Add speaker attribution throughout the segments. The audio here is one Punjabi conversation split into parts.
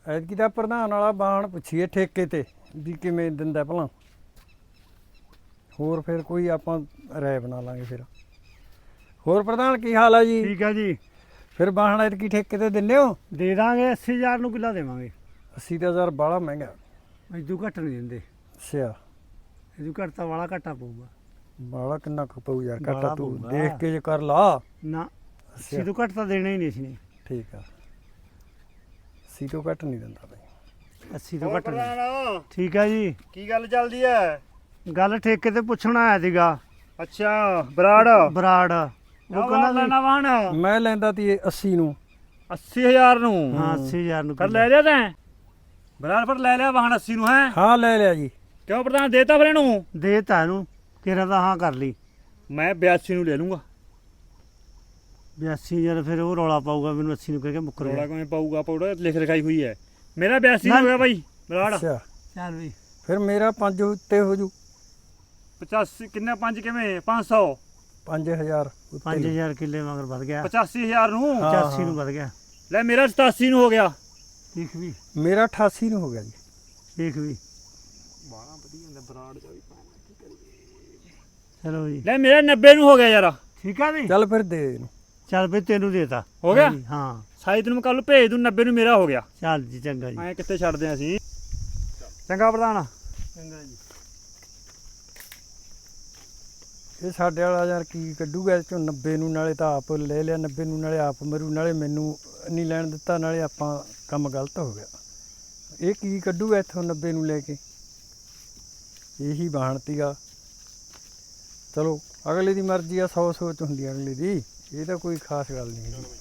Speaker 1: ਐਤਕੀ ਤਾਂ ਪ੍ਰਧਾਨ ਵਾਲਾ ਬਾਣ ਪੁੱਛੀਏ ਠੇਕੇ ਤੇ ਵੀ ਕਿਵੇਂ ਦਿੰਦਾ ਭਲਾ। ਹੋਰ ਫਿਰ ਕੋਈ ਆਪਾਂ ਰਾਏ ਬਣਾ ਲਾਂਗੇ ਫਿਰ। ਹੋਰ ਪ੍ਰਧਾਨ ਕੀ ਹਾਲ ਆ ਜੀ?
Speaker 2: ਠੀਕ ਹੈ ਜੀ।
Speaker 1: ਫਿਰ ਬਾਣ ਐਤਕੀ ਠੇਕੇ ਤੇ ਦਿੰਦੇ ਹੋ?
Speaker 2: ਦੇ ਦਾਂਗੇ 80000 ਨੂੰ ਕਿੱਲਾ ਦੇਵਾਂਗੇ।
Speaker 1: 80 ਤਾਂ ਹਜ਼ਾਰ ਬਾਹਲਾ ਮਹਿੰਗਾ।
Speaker 2: ਇਦੋਂ ਘੱਟ ਨਹੀਂ ਦਿੰਦੇ।
Speaker 1: ਅੱਛਾ,
Speaker 2: ਇਦੋਂ ਘੱਟ ਤਾਂ ਵਾਲਾ ਘਾਟਾ ਪਊਗਾ।
Speaker 1: ਬਾਹਲਾ ਕਿੰਨਾ ਕੁ ਪਊ ਯਾਰ? ਘਾਟਾ
Speaker 2: ਬਾਹਲਾ
Speaker 1: ਤੂੰ
Speaker 2: ਪਊਗਾ।
Speaker 1: ਦੇਖ ਕੇ ਜੇ ਕਰ ਲਾ।
Speaker 2: ਨਾ 80 ਤੋਂ ਘੱਟ ਤਾਂ ਦੇਣਾ ਹੀ ਨਹੀਂ ਅਸੀਂ।
Speaker 1: ਠੀਕ ਆ, 80 ਤੋਂ ਘੱਟ ਨਹੀਂ ਦਿੰਦਾ ਬਈ।
Speaker 2: 80 ਤੋਂ ਘੱਟ ਨਹੀਂ। ਠੀਕ ਹੈ ਜੀ।
Speaker 3: ਕੀ ਗੱਲ ਚੱਲਦੀ ਐ?
Speaker 2: ਗੱਲ ਠੇਕੇ ਤੇ ਪੁੱਛਣ ਆਇਆ ਸੀਗਾ।
Speaker 3: ਅੱਛਾ, ਬਰਾੜ
Speaker 2: ਬਰਾੜ ਉਹ ਕਹਿੰਦਾ
Speaker 3: ਲੈਣਾ ਵਾਹਣ
Speaker 1: ਮੈਂ ਲੈਂਦਾ ਤੀ 80 ਨੂੰ।
Speaker 3: 80000 ਨੂੰ।
Speaker 2: ਹਾਂ 80000 ਨੂੰ
Speaker 3: ਫਿਰ ਲੈ ਲਿਆ ਤੈਂ? ਬਰਾੜ ਫਿਰ ਲੈ ਲਿਆ ਵਾਹਣ 80 ਨੂੰ ਹੈ?
Speaker 1: ਹਾਂ ਲੈ ਲਿਆ ਜੀ।
Speaker 3: ਕਿਉਂ ਪ੍ਰਧਾਨ ਦੇਤਾ ਫਿਰ ਇਹਨੂੰ?
Speaker 2: ਦੇ ਤਾ ਇਹਨੂੰ ਕਿਹੜਾ ਤਾਂ ਹਾਂ ਕਰ ਲਈ।
Speaker 3: ਮੈਂ 82 ਨੂੰ ਲੈ ਲੂੰਗਾ।
Speaker 2: 82000 ਫਿਰ ਉਹ ਰੌਲਾ ਪਾਊਗਾ ਮੈਨੂੰ 80 ਨੂੰ ਕਹਿ ਕੇ ਮੁੱਕਰ
Speaker 3: ਰੌਲਾ
Speaker 2: ਗਿਆ।
Speaker 3: ਕਿਵੇਂ ਪਾਊਗਾ? ਪਾਊਗਾ ਲਿਖ ਲਿਖਾਈ ਹੋਈ ਹੈ। ਮੇਰਾ 82 ਹੋ ਗਿਆ ਬਾਈ ਬਰਾੜ।
Speaker 1: ਅੱਛਾ,
Speaker 2: ਚੱਲ ਵੀ
Speaker 1: ਫਿਰ ਮੇਰਾ 5 ਉੱਤੇ ਹੋ ਜੂ।
Speaker 3: 85 ਕਿੰਨਾ 5 ਕਿਵੇਂ 500
Speaker 1: 5000 ਉੱਤੇ।
Speaker 2: 5000 ਕਿੱਲੇ ਮਗਰ ਵੱਧ ਗਿਆ।
Speaker 3: 85000 ਨੂੰ।
Speaker 1: ਹਾਂ।
Speaker 2: 85 ਨੂੰ ਵੱਧ ਗਿਆ।
Speaker 3: ਲੈ ਮੇਰਾ 87 ਨੂੰ ਹੋ ਗਿਆ।
Speaker 2: ਦੇਖ ਵੀ
Speaker 1: ਮੇਰਾ 88 ਨੂੰ ਹੋ ਗਿਆ ਜੀ।
Speaker 2: ਦੇਖ ਵੀ
Speaker 3: ਬਾਣਾ ਵਧੀਆ ਹੁੰਦਾ ਬਰਾੜ ਜਾ ਵੀ।
Speaker 2: ਚਲੋ ਜੀ
Speaker 3: ਲੈ ਮੇਰਾ 90 ਨੂੰ ਹੋ ਗਿਆ ਯਾਰ।
Speaker 2: ਠੀਕ ਆ ਵੀ
Speaker 1: ਚੱਲ ਫਿਰ ਦੇ ਇਹਨੂੰ।
Speaker 2: ਚੱਲ ਵੀ ਤੈਨੂੰ ਦੇਤਾ
Speaker 3: ਹੋ ਗਿਆ?
Speaker 2: ਹਾਂ
Speaker 3: ਸਾਈ ਤੈਨੂੰ ਕੱਲ ਭੇਜ ਦੂੰ। 90 ਨੂੰ ਮੇਰਾ ਹੋ ਗਿਆ।
Speaker 2: ਚੱਲ ਜੀ ਚੰਗਾ ਜੀ।
Speaker 3: ਐ ਕਿੱਥੇ ਛੱਡਦੇ ਆਂ ਅਸੀਂ? ਚੰਗਾ ਪ੍ਰਧਾਨ।
Speaker 2: ਚੰਗਾ ਜੀ।
Speaker 1: ਇਹ ਸਾਡੇ ਵਾਲਾ ਯਾਰ ਕੀ ਕੱਢੂਗਾ ਇਹ ਚੋਂ 90 ਨੂੰ? ਨਾਲੇ ਤਾਂ ਆਪ ਲੈ ਲਿਆ 90 ਨੂੰ, ਨਾਲੇ ਆਪ ਮਰੂ, ਨਾਲੇ ਮੈਨੂੰ ਨਹੀਂ ਲੈਣ ਦਿੱਤਾ, ਨਾਲੇ ਆਪਾਂ ਕੰਮ ਗਲਤ ਹੋ ਗਿਆ। ਇਹ ਕੀ ਕੱਢੂਗਾ ਇੱਥੋਂ 90 ਨੂੰ ਲੈ ਕੇ? ਇਹੀ ਬਾਣਤੀਗਾ। ਚਲੋ ਅਗਲੇ ਦੀ ਮਰਜ਼ੀ ਆ, 100 ਸੋਚ ਹੁੰਦੀ ਆ ਅਗਲੇ ਦੀ। ਇਹ ਤਾਂ ਕੋਈ ਖਾਸ ਗੱਲ ਨਹੀਂ ਹੈਗੀ।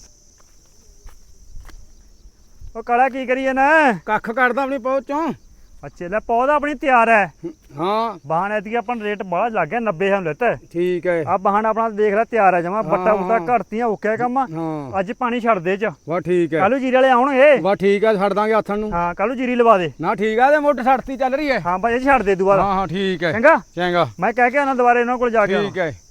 Speaker 3: ਉਹ ਕਾਲਾ ਕੀ ਕਰੀਏ ਨਾ?
Speaker 1: ਕੱਖ ਕੱਢਦਾ ਆਪਣੀ ਪਹੁੰਚ ਚੋਂ।
Speaker 3: ਅੱਛਾ ਲੈ ਪੌਦਾ ਆਪਣੀ ਤਿਆਰ ਹੈ।
Speaker 1: ਹਾਂ
Speaker 3: ਬਾਹਣ ਐਤਕੀ ਆਪਾਂ ਨੂੰ ਰੇਟ ਬੜਾ ਲੱਗ ਗਿਆ। 90 ਹਮ ਲੈਤਾ।
Speaker 1: ਠੀਕ ਹੈ।
Speaker 3: ਆ ਬਾਹਣ ਆਪਣਾ ਦੇਖ ਲੈ ਤਿਆਰ ਹੈ ਜਮਾ। ਬੱਟਾ ਬੁੱਟਾ
Speaker 1: ਹਾਂ।
Speaker 3: ਘੜਤੀਆਂ ਓਕੇ ਕੰਮ।
Speaker 1: ਹਾਂ
Speaker 3: ਅੱਜ ਪਾਣੀ ਛੱਡ ਦੇ ਚ।
Speaker 1: ਵਾ ਠੀਕ ਹੈ।
Speaker 3: ਕੱਲੂ ਜੀਰੇ ਵਾਲੇ ਆਉਣਗੇ।
Speaker 1: ਵਾ ਠੀਕ ਹੈ, ਛੱਡ ਦਾਂਗੇ ਆਥਣ ਨੂੰ।
Speaker 3: ਹਾਂ ਕੱਲੂ ਜੀਰੀ ਲਵਾ ਦੇ।
Speaker 1: ਨਾ ਠੀਕ ਆ, ਤੇ ਮੋਟਰ ਛੱਡਤੀ ਚੱਲ ਰਹੀ ਹੈ।
Speaker 3: ਹਾਂ ਬਾਈ ਜੀ ਛੱਡ ਦੇ ਦੁਬਾਰਾ।
Speaker 1: ਹਾਂ ਠੀਕ ਹੈ।
Speaker 3: ਚੰਗਾ
Speaker 1: ਚੰਗਾ
Speaker 3: ਮੈਂ ਕਹਿ ਕੇ ਆਣਾ ਦੁਬਾਰੇ ਇਹਨਾਂ ਕੋਲ ਜਾ ਕੇ।
Speaker 1: ਠੀਕ ਹੈ।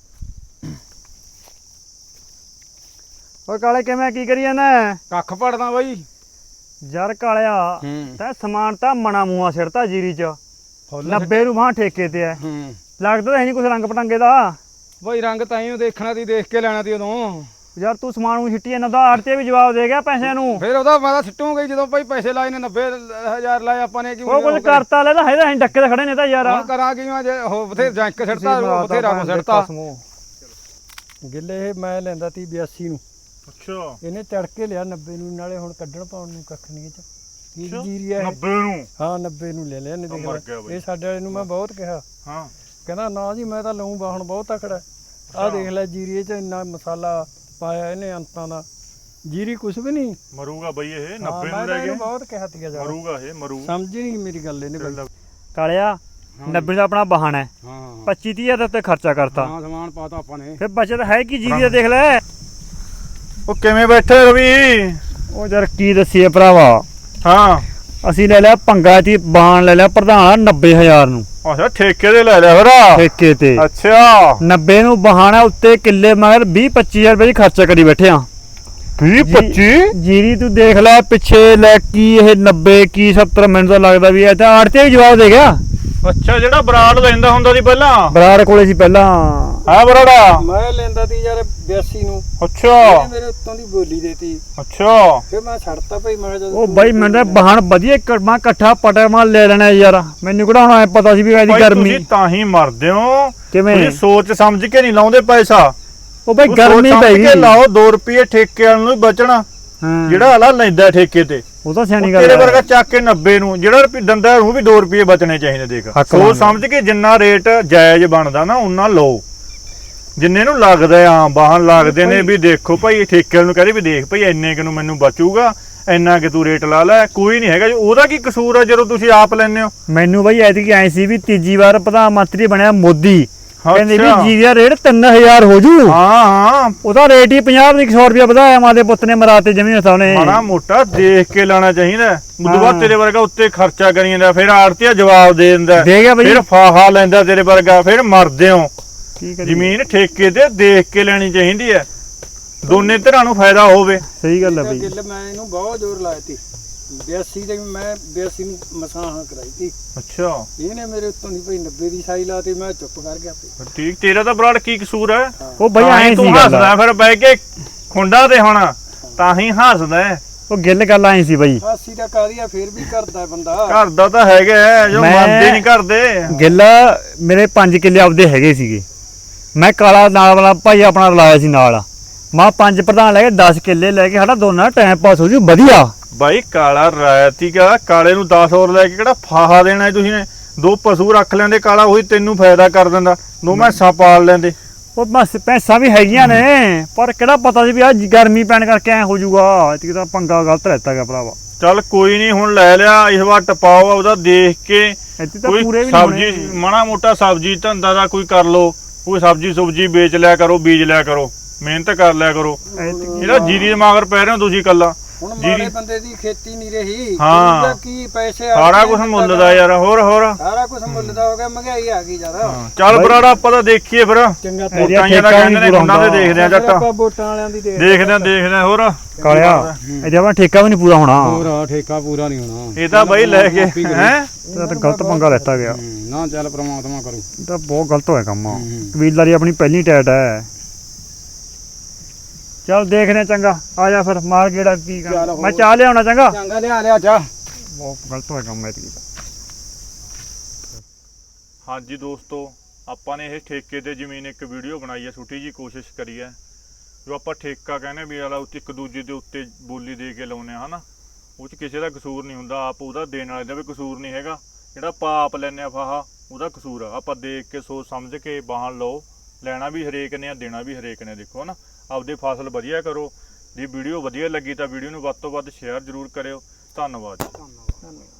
Speaker 3: ਓਏ ਕਾਲੇ ਕਿਵੇਂ ਕੀ ਕਰੀਏ ਨਾ?
Speaker 1: ਕੱਖ ਪੜਦਾ ਬਾਈ।
Speaker 3: ਯਾਰ ਕਾਲਿਆ
Speaker 1: ਹੂੰ
Speaker 3: ਤੈਂ ਸਮਾਨ ਤਾਂ ਮਣਾ ਮੂਆ ਸਿਰਤਾ ਜੀਰੀ ਚ। 90 ਨੂੰ ਬਾਹ ਠੇਕੇ ਤੇ ਐ।
Speaker 1: ਹੂੰ
Speaker 3: ਲੱਗਦਾ ਤਾਂ ਹੈ ਨਹੀਂ ਕੁਛ ਰੰਗ ਪਟੰਗੇ ਦਾ।
Speaker 1: ਬਾਈ ਰੰਗ ਤਾਂ ਹੀ ਦੇਖਣਾ ਤੀ, ਦੇਖ ਕੇ ਲੈਣਾ ਤੀ ਉਦੋਂ।
Speaker 3: ਯਾਰ ਤੂੰ ਸਮਾਨ ਨੂੰ ਛਿੱਟੀ ਇਹਨਾਂ ਦਾ ਆੜਤੇ ਵੀ ਜਵਾਬ ਦੇ ਗਿਆ ਪੈਸਿਆਂ ਨੂੰ।
Speaker 1: ਫਿਰ ਉਹਦਾ ਮੈਂ ਤਾਂ ਸਿੱਟੂਗਾ ਜਦੋਂ ਭਾਈ ਪੈਸੇ ਲਾਏ ਨੇ 90000 ਲਾਏ ਆਪਾਂ ਨੇ।
Speaker 3: ਉਹ ਕੁਝ ਕਰਤਾ ਲੈ ਤਾਂ ਹੈ ਤਾਂ ਡੱਕੇ ਤੇ ਖੜੇ ਨੇ ਤਾਂ ਯਾਰ।
Speaker 1: ਹੁਣ ਕਰਾਂ ਕੀ ਮੈਂ? ਜੇ ਉਹ ਬਥੇ ਜੰਕ ਸਿੱਟਤਾ, ਬਥੇਰਾ ਕੋ ਸਿੱਟਤਾ। ਗਿੱਲੇ ਇਹ ਮੈਂ ਲੈਂਦਾ ਤੀ 82 ਨੂੰ।
Speaker 3: ਅੱਛਾ
Speaker 1: ਇਹਨੇ ਚੜ ਕੇ ਲਿਆ 90 ਨੂੰ, ਨਾਲੇ ਹੁਣ ਕੱਢਣ ਪਾਉਣ ਨੂੰ ਕੱਖ ਨਹੀਂ ਇਹ ਚ। ਕੀ ਜੀਰੀ ਆ ਇਹ?
Speaker 3: 90 ਨੂੰ।
Speaker 1: ਹਾਂ 90 ਨੂੰ ਲੈ ਲਿਆ ਇਹਨੇ। ਦੇਖ ਇਹ ਸਾਡੇ ਵਾਲੇ ਨੂੰ ਮੈਂ ਬਹੁਤ ਕਿਹਾ।
Speaker 3: ਹਾਂ
Speaker 1: ਕਹਿੰਦਾ ਨਾ ਜੀ ਮੈਂ ਤਾਂ ਲਊਂ ਬਾਹਣ ਬਹੁਤ ਤਕੜਾ। ਆਹ ਦੇਖ ਲੈ ਜੀਰੀ ਇਹ ਚ ਇੰਨਾ ਮਸਾਲਾ ਪਾਇਆ ਇਹਨੇ ਅੰਤਾਂ ਦਾ। ਜੀਰੀ ਕੁਛ ਵੀ ਨਹੀਂ
Speaker 3: ਮਰੂਗਾ ਬਈ ਇਹ। 90
Speaker 1: ਮੈਂ
Speaker 3: ਨੂੰ
Speaker 1: ਤਾਂ
Speaker 3: ਲੈ ਕੇ
Speaker 1: ਇਹਨੂੰ ਬਹੁਤ ਕਿਹਾ ਤੀਗਾ ਜਾ।
Speaker 3: ਮਰੂਗਾ ਇਹ ਮਰੂ।
Speaker 1: ਸਮਝ ਨਹੀਂ ਮੇਰੀ ਗੱਲ ਇਹਨੇ ਬਾਈ।
Speaker 3: ਕਾਲਿਆ 90 ਦਾ ਆਪਣਾ ਬਹਾਨਾ ਹੈ।
Speaker 1: ਹਾਂ
Speaker 3: 25-30 ਦਾ ਉੱਤੇ ਖਰਚਾ ਕਰਤਾ।
Speaker 1: ਹਾਂ ਸਮਾਨ ਪਾਤਾ ਆਪਾਂ ਨੇ।
Speaker 3: ਫਿਰ ਬਚਤ ਹੈ ਕੀ ਜੀਰੀ ਦਾ ਦੇਖ ਲੈ।
Speaker 4: ਉਹ ਕਿਵੇਂ ਬੈਠੇ ਰਵੀ?
Speaker 3: ਉਹ ਯਾਰ ਕੀ ਦੱਸੀਏ ਭਰਾਵਾ।
Speaker 4: ਹਾਂ
Speaker 3: ਅਸੀਂ ਲੈ ਲਿਆ ਪੰਗਾ ਦੀ ਬਾਣ ਲੈ ਲਿਆ ਪ੍ਰਧਾਨ 90000 ਨੂੰ
Speaker 4: ਅੱਛਾ ਠੇਕੇ ਦੇ ਲੈ ਲਿਆ ਫਿਰ।
Speaker 3: ਠੇਕੇ ਤੇ।
Speaker 4: ਅੱਛਾ
Speaker 3: 90 ਨੂੰ ਬਹਾਨਾ ਉੱਤੇ ਕਿੱਲੇ ਮਗਰ 20-25000 ਰੁਪਏ ਦੀ ਖਰਚਾ ਕਰੀ ਬੈਠੇ ਆ।
Speaker 4: 20-25
Speaker 3: ਜੀਰੀ ਤੂੰ ਦੇਖ ਲੈ ਪਿੱਛੇ ਲੈ ਕੀ ਇਹ 90 ਕੀ 70 ਮੈਨੂੰ ਤਾਂ ਲੱਗਦਾ ਵੀ ਇਹ ਤਾਂ ਆੜਤੇ ਵੀ ਜਵਾਬ ਦੇ ਗਿਆ।
Speaker 4: ਅੱਛਾ ਜਿਹੜਾ ਬਰਾੜ ਲੈਂਦਾ ਹੁੰਦਾ ਸੀ ਪਹਿਲਾਂ।
Speaker 3: ਬਰਾੜ ਕੋਲੇ ਸੀ ਪਹਿਲਾਂ।
Speaker 4: ਹਾਂ ਬਰਾੜਾ
Speaker 1: ਮੈਂ ਲੈਂਦਾ ਤੀ ਯਾਰ 82 ਨੂੰ।
Speaker 4: ਅੱਛਾ
Speaker 1: ਮੇਰੇ ਉੱਤੋਂ ਦੀ ਬੋਲੀ ਦੇਤੀ।
Speaker 4: ਅੱਛਾ
Speaker 1: ਫਿਰ ਮੈਂ ਛੱਡਤਾ ਭਾਈ। ਮੈਂ ਜਦੋਂ
Speaker 3: ਉਹ ਬਾਈ ਮੈਨੂੰ ਤਾਂ ਬਹਾਨ ਵਧੀਆ ਮੈਂ ਇਕੱਠਾ ਪਟਾ ਮੈਂ ਲੈ ਲੈਣਾ ਯਾਰ। ਮੈਨੂੰ ਕਿਹੜਾ ਹੁਣ ਐ ਪਤਾ ਸੀ ਵੀ ਇਹਦੀ
Speaker 4: ਭਾਈ
Speaker 3: ਗਰਮੀ
Speaker 4: ਤੁਸੀਂ ਤਾਂ ਹੀ ਮਰਦੇ ਹੋ।
Speaker 3: ਕਿਵੇਂ?
Speaker 4: ਤੁਸੀਂ ਸੋਚ ਸਮਝ ਕੇ ਨਹੀਂ ਲਾਉਂਦੇ ਪੈਸਾ।
Speaker 3: ਉਹ ਬਾਈ
Speaker 4: ਤੂੰ
Speaker 3: ਗਰਮੀ
Speaker 4: ਸੋਚ
Speaker 3: ਪੈ
Speaker 4: ਸਮਝ
Speaker 3: ਗਈ।
Speaker 4: ਕੇ ਲਾਓ 2 ਰੁਪਏ ਠੇਕੇ ਵਾਲ ਨੂੰ ਹੀ ਬਚਣਾ।
Speaker 3: ਹਾਂ
Speaker 4: ਜਿਹੜਾ ਆਲਾ ਲੈਂਦਾ ਠੇਕੇ ਤੇ
Speaker 3: ਉਹ ਤਾਂ ਸਿਆਣੀ
Speaker 4: ਉਹ
Speaker 3: ਗੱਲ
Speaker 4: ਤੇਰੇ
Speaker 3: ਹੈ।
Speaker 4: ਵਰਗਾ ਚੱਕ ਕੇ 90 ਨੂੰ ਜਿਹੜਾ ਦੰਦਾ ਉਹਨੂੰ ਵੀ 2 ਰੁਪਏ ਬਚਣੇ ਚਾਹੀਦੇ। ਦੇਖ
Speaker 3: ਹੱਕ
Speaker 4: ਸੋਚ
Speaker 3: ਮੰਨਦਾ।
Speaker 4: ਸਮਝ ਕੇ ਜਿੰਨਾ ਰੇਟ ਜਾਇਜ਼ ਬਣਦਾ ਨਾ ਉਹਨਾਂ ਲਓ। ਜਿੰਨੇ ਨੂੰ ਲੱਗਦਾ ਆ ਬਾਹਨ ਲੱਗਦੇ ਨੇ ਵੀ ਦੇਖੋ ਭਾਈ ਠੇਕੇ ਨੂੰ ਕਹਿੰਦੇ ਵੀ ਦੇਖ ਭਾਈ ਇੰਨੇ ਕਿ ਨੂੰ ਮੈਨੂੰ ਬਚੂਗਾ, ਇੰਨਾ ਕਿ ਤੂੰ ਰੇਟ ਲਾ ਲੈ। ਕੋਈ ਨਹੀਂ ਹੈਗਾ ਉਹਦਾ ਕੀ ਕਸੂਰ ਆ ਜਦੋਂ ਤੁਸੀਂ ਆਪ ਲੈਂਦੇ ਹੋ।
Speaker 3: ਮੈਨੂੰ ਬਾਈ ਐਤਕੀ ਐ ਸੀ ਵੀ ਤੀਜੀ ਵਾਰ ਪ੍ਰਧਾਨ ਮੰਤਰੀ ਬਣਿਆ ਮੋਦੀ। ਕਹਿੰਦੇ ਵੀ
Speaker 4: ਅੱਛਾ।
Speaker 3: ਜੀਰੀ ਦਾ ਰੇਟ 3000 ਹੋ ਜੂ।
Speaker 4: ਹਾਂ ਹਾਂ
Speaker 3: ਉਹਦਾ ਰੇਟ ਹੀ 50 ਦੀ 100 ਰੁਪਏ ਵਧਾਇਆ ਮਾਦੇ ਪੁੱਤ ਨੇ ਮਰਾਤੇ ਜਮੀਨ ਹਸਾਉਣੇ।
Speaker 4: ਮਾੜਾ ਮੋਟਾ ਦੇਖ ਕੇ ਲਾਣਾ ਚਾਹੀਦਾ। ਉਦੋਂ ਬਾਅਦ
Speaker 3: ਹਾਂ।
Speaker 4: ਤੇਰੇ ਵਰਗਾ ਉੱਤੇ ਖਰਚਾ ਕਰੀ ਜਾਂਦਾ, ਫਿਰ ਆੜਤੀਆ ਜਵਾਬ ਦੇ ਦਿੰਦਾ,
Speaker 3: ਦੇ ਗਿਆ ਬਈ।
Speaker 4: ਫਿਰ ਫਾਹਾ ਲੈਂਦਾ ਤੇਰੇ ਵਰਗਾ, ਫਿਰ ਮਰਦੇ ਹੋ।
Speaker 3: ਕੀ ਕਰੀਏ?
Speaker 4: ਜ਼ਮੀਨ ਠੇਕੇ ਤੇ ਦੇਖ ਕੇ ਲੈਣੀ ਚਾਹੀਦੀ ਹੈ, ਦੋਨੇ ਧਿਰਾਂ ਨੂੰ ਫਾਇਦਾ ਹੋਵੇ।
Speaker 3: ਸਹੀ ਗੱਲ ਹੈ ਬਈ।
Speaker 1: ਗਿੱਲ ਮੈਂ ਇਹਨੂੰ ਬਹੁਤ ਜ਼ੋਰ ਲਾਇਆ ਤੀ 82 ਦੇ ਮੈਂ 82 ਨੂੰ ਮਸਾਂ ਕਰਾਈ ਤੀ।
Speaker 4: ਅੱਛਾ
Speaker 1: ਇਹਨੇ ਮੇਰੇ ਉੱਤੋਂ ਨਹੀਂ ਭਾਈ 90 ਦੀ ਸਾਈ ਲਾਤੀ, ਮੈਂ ਚੁੱਪ ਕਰ ਗਿਆ ਫੇ।
Speaker 4: ਠੀਕ, ਤੇਰਾ ਤਾਂ ਬਰਾੜ ਕੀ ਕਸੂਰ ਹੈ?
Speaker 3: ਉਹ ਬਈ
Speaker 4: ਤਾਂ ਹੀ
Speaker 3: ਐਂ
Speaker 4: ਤੂੰ
Speaker 3: ਸੀ ਗੱਲ
Speaker 4: ਹੱਸਦਾ ਫਿਰ ਬਹਿ ਕੇ ਖੁੰਡਾ ਤੇ ਹੁਣ ਤਾਂ ਹੀ ਹੱਸਦਾ ਹੈ।
Speaker 3: ਉਹ ਗਿੱਲ ਗੱਲ ਐਂ ਸੀ ਬਈ
Speaker 1: 80 ਦਾ ਕਾਦੀ ਆ, ਫੇਰ ਵੀ ਕਰਦਾ ਬੰਦਾ।
Speaker 4: ਘਰ ਦਾ ਤਾਂ ਹੈਗਾ ਹੈ, ਜੋ
Speaker 3: ਮੈਂ-
Speaker 4: ਮੰਨਦੇ ਨਹੀਂ ਕਰਦੇ।
Speaker 3: ਗਿੱਲ ਮੇਰੇ 5 ਕਿੱਲੇ ਆਪਦੇ ਹੈਗੇ ਸੀਗੇ, ਮੈਂ ਕਾਲਾ ਨਾਲ ਵਾਲਾ ਭਾਈ ਆਪਣਾ ਰਲਾਇਆ ਸੀ ਨਾਲ, ਮੈਂ 5 ਪ੍ਰਧਾਨ ਲੈ ਕੇ 10 ਕਿੱਲੇ ਲੈ ਕੇ ਸਾਡਾ ਦੋਨਾਂ ਟਾਈਮ ਪਾਸ ਹੋ ਜੂ ਵਧੀਆ।
Speaker 4: ਬਾਈ ਕਾਲਾ ਰਾਇਤੀਗਾ, ਕਾਲੇ ਨੂੰ 10 ਹੋਰ ਲੈ ਕੇ ਕਿਹੜਾ ਫਾਹਾ ਦੇਣਾ ਹੈ ਤੁਸੀਂ ਨੇ? 2 ਪਸ਼ੂ ਰੱਖ ਲੈਂਦੇ, ਕਾਲਾ ਉਹੀ ਤੈਨੂੰ ਫਾਇਦਾ ਕਰ ਦਿੰਦਾ, 2 ਮੈਸਾਂ ਪਾਲ ਲੈਂਦੇ।
Speaker 3: ਉਹ ਬਸ ਪੈਸਾ ਵੀ ਹੈਗੀਆਂ ਨੇ, ਪਰ ਕਿਹੜਾ ਪਤਾ ਸੀ ਵੀ ਆ ਗਰਮੀ ਪੈਣ ਕਰਕੇ ਐ ਹੋ ਜੂਗਾ। ਇਤਕੀ ਤਾਂ ਪੰਗਾ ਗਲਤ ਰਹਿਤਾ ਗਿਆ ਭਰਾਵਾ।
Speaker 4: ਚੱਲ ਕੋਈ ਨਹੀਂ, ਹੁਣ ਲੈ ਲਿਆ, ਇਸ ਵਾਰ ਟਪਾਓ ਉਹਦਾ ਦੇਖ ਕੇ।
Speaker 3: ਇੱਥੇ ਤਾਂ
Speaker 4: ਕੋਈ
Speaker 3: ਪੂਰੇ ਵੀ
Speaker 4: ਸਬਜ਼ੀ ਮਾੜਾ ਮੋਟਾ ਸਬਜ਼ੀ ਧੰਦਾ ਦਾ ਕੋਈ ਕਰ ਲੋ, ਕੋਈ ਸਬਜ਼ੀ ਸੁਬਜੀ ਵੇਚ ਲਿਆ ਕਰੋ, ਬੀਜ ਲਿਆ ਕਰੋ, ਮਿਹਨਤ ਕਰ ਲਿਆ ਕਰੋ। ਇਹਦਾ ਜੀਰੀ ਦੇ ਮਗਰ ਪੈ ਰਹੇ ਹੋ ਤੁਸੀਂ ਕੱਲਾ।
Speaker 1: ਹੁਣ ਮਾੜੇ ਬੰਦੇ ਦੀ ਖੇਤੀ ਨਹੀਂ ਰਹੀ,
Speaker 4: ਹਾਂ।
Speaker 1: ਉਹਦਾ ਕੀ ਪੈਸੇ
Speaker 4: ਸਾਰਾ ਕੁਝ ਮੁੱਲ ਦਾ ਯਾਰ, ਹੋਰ
Speaker 1: ਸਾਰਾ ਕੁਝ ਮੁੱਲ ਦਾ ਹੋ ਗਿਆ, ਮਹਿੰਗਾਈ ਆ ਗਈ ਜ਼ਿਆਦਾ।
Speaker 4: ਚੱਲ ਬਰਾੜਾ ਆਪਾਂ ਤਾਂ ਦੇਖੀਏ ਫਿਰ।
Speaker 1: ਚੰਗਾ
Speaker 4: ਵੋਟਾਂ ਦਾ ਕਹਿੰਦੇ ਨੇ, ਉਹਨਾਂ ਦੇ ਦੇਖਦੇ ਆ ਜੱਟ,
Speaker 1: ਆਪਾਂ ਵੋਟਾਂ ਵਾਲਿਆਂ ਦੀ
Speaker 4: ਦੇਖਦੇ ਆ ਹੋਰ।
Speaker 3: ਕਾਲਿਆ ਇਹਦੇ ਆਪਣਾ ਠੇਕਾ ਵੀ ਨਹੀਂ ਪੂਰਾ ਹੋਣਾ।
Speaker 5: ਪੂਰਾ ਠੇਕਾ ਪੂਰਾ ਨਹੀਂ ਹੋਣਾ,
Speaker 4: ਇਹ ਤਾਂ ਬਾਈ ਲੈ ਕੇ ਹੈ
Speaker 3: ਇਹ ਤਾਂ ਗਲਤ ਪੰਗਾ ਲੈਤਾ ਗਿਆ।
Speaker 5: ਨਾ ਚੱਲ ਪ੍ਰਮਾਤਮਾ ਕਰੂ।
Speaker 3: ਇਹ ਤਾਂ ਬਹੁਤ ਗਲਤ ਹੋਇਆ ਕੰਮ। ਕਬੀਲਦਾਰੀ ਆਪਣੀ ਪਹਿਲੀ ਟੈਟ ਹੈ। ਚੱਲ ਦੇਖਦੇ ਹਾਂ, ਚੰਗਾ ਆ ਜਾ ਫਿਰ ਮਾਰ ਗੇੜਾ ਕੀ ਕਰ। ਮੈਂ ਚਾਹ ਲਿਆਉਣਾ ਚੰਗਾ।
Speaker 1: ਚੰਗਾ ਲਿਆ ਚਾਹ।
Speaker 3: ਬਹੁਤ ਗਲਤ ਹੋਇਆ ਕੰਮ ਐਤਕੀ।
Speaker 4: ਹਾਂਜੀ ਦੋਸਤੋ, ਆਪਾਂ ਨੇ ਇਹ ਠੇਕੇ ਤੇ ਜ਼ਮੀਨ ਇੱਕ ਵੀਡੀਓ ਬਣਾਈ ਹੈ, ਛੋਟੀ ਜੀ ਕੋਸ਼ਿਸ਼ ਕਰੀ ਹੈ। ਜੋ ਆਪਾਂ ਠੇਕਾ ਕਹਿੰਦੇ ਵੀ ਵਾਲਾ ਉੱਤੇ ਇੱਕ ਦੂਜੇ ਦੇ ਉੱਤੇ ਬੋਲੀ ਦੇ ਕੇ ਲਾਉਨੇ ਆ ਹਨਾ, ਉਹ 'ਚ ਕਿਸੇ ਦਾ ਕਸੂਰ ਨਹੀਂ ਹੁੰਦਾ, ਆਪ ਉਹਦਾ ਦੇਣ ਵਾਲੇ ਦਾ ਵੀ ਕਸੂਰ ਨਹੀਂ ਹੈਗਾ। ਜਿਹੜਾ ਪਾਪ ਲੈਨੇ ਆ ਫਾਹਾ, ਉਹਦਾ ਕਸੂਰ ਆ। ਆਪਾਂ ਦੇਖ ਕੇ ਸੋਚ ਸਮਝ ਕੇ ਵਾਹਨ ਲਓ, ਲੈਣਾ ਵੀ ਹਰੇਕ ਨੇ ਆ, ਦੇਣਾ ਵੀ ਹਰੇਕ ਨੇ। ਦੇਖੋ ਨਾ, ਆਪਦੀ ਫਸਲ ਵਧੀਆ ਕਰੋ। ਜੇ ਵੀਡੀਓ ਵਧੀਆ ਲੱਗੀ ਤਾਂ ਵੀਡੀਓ ਨੂੰ ਵੱਧ ਤੋਂ ਵੱਧ ਸ਼ੇਅਰ ਜ਼ਰੂਰ ਕਰਿਓ। ਧੰਨਵਾਦ।